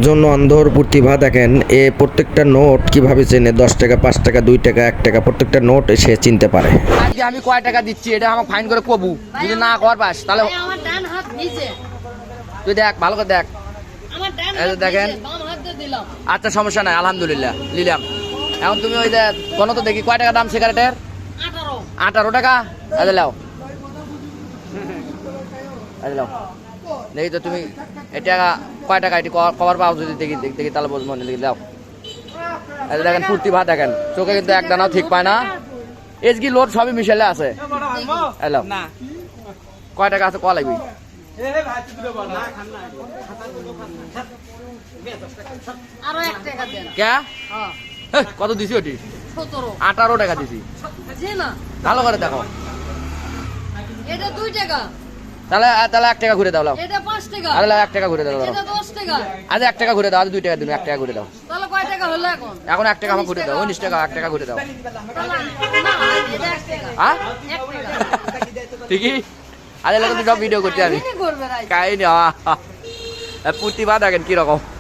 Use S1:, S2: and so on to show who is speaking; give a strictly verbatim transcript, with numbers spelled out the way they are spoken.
S1: একজন অন্ধর প্রতিভা দেখেন, এ প্রত্যেকটা নোট কিভাবে চেনে, দশ টাকা, পাঁচ টাকা, দুই টাকা, এক টাকা, প্রত্যেকটা নোট সে চিনতে পারে।
S2: আজকে আমি কয় টাকা দিচ্ছি এটা আমাকে ফাইন করে কবু, যদি না কর পাস তাহলে
S3: আমার ডান হাত নিচে,
S2: তুই দেখ ভালো করে দেখ।
S3: আমার ডান
S2: এই যে
S3: হাত
S2: দেখেন।
S3: নিচে, বাম হাত দিয়ে দিলাম।
S2: আচ্ছা সমস্যা নাই, আলহামদুলিল্লাহ নিলাম। এখন তুমি ওই যে কোনো তো দেখি কয় টাকা দাম সিগারেটের?
S3: আঠারো।
S2: আঠারো টাকা। আরে লাও আরে লাও দেখি তো তুমি এটা কয় টাকা এটি কভার পাও, যদি দেখি দেখি দেখি তাহলে বলবো মনে দেখি দাও। এই যে দেখেন প্রতিভা দেখেন, চোখে কিন্তু এক দানাও ঠিক পায় না, এসগি লোড সবই মিশেলে আছে। হ্যালো কয় টাকা আছে কয়া লাগবি?
S3: আরো এক টাকা দেন।
S2: কে
S3: হ্যাঁ,
S2: হেহ, কত দিছি ওটি?
S3: সতেরো।
S2: আঠারো টাকা দিছি।
S3: জি না,
S2: ভালো করে দেখো
S3: এটা দুই টাকা,
S2: তাহলে তাহলে এক টাকা ঘুরে দাও লাও।
S3: এটা পাঁচ টাকা,
S2: আরে লাও এক টাকা ঘুরে দাও লাও।
S3: এটা দশ টাকা।
S2: আজ এক টাকা ঘুরে দাও, আজ দুই টাকা দিন, এক টাকা ঘুরে দাও।
S3: তাহলে কয় টাকা হলো এখন?
S2: এখন এক টাকা আমার ঘুরে দাও, উনিশ টাকা এক টাকা ঘুরে দাও।
S3: তাহলে না, এটা এক টাকা।
S2: হ্যাঁ
S3: এক টাকা।
S2: ঠিকই। আজ এলাকা তো সব ভিডিও করতে আমি
S3: কি করবে রাই?
S2: কাহিনী প্রতিভা দেখেন কিরকম।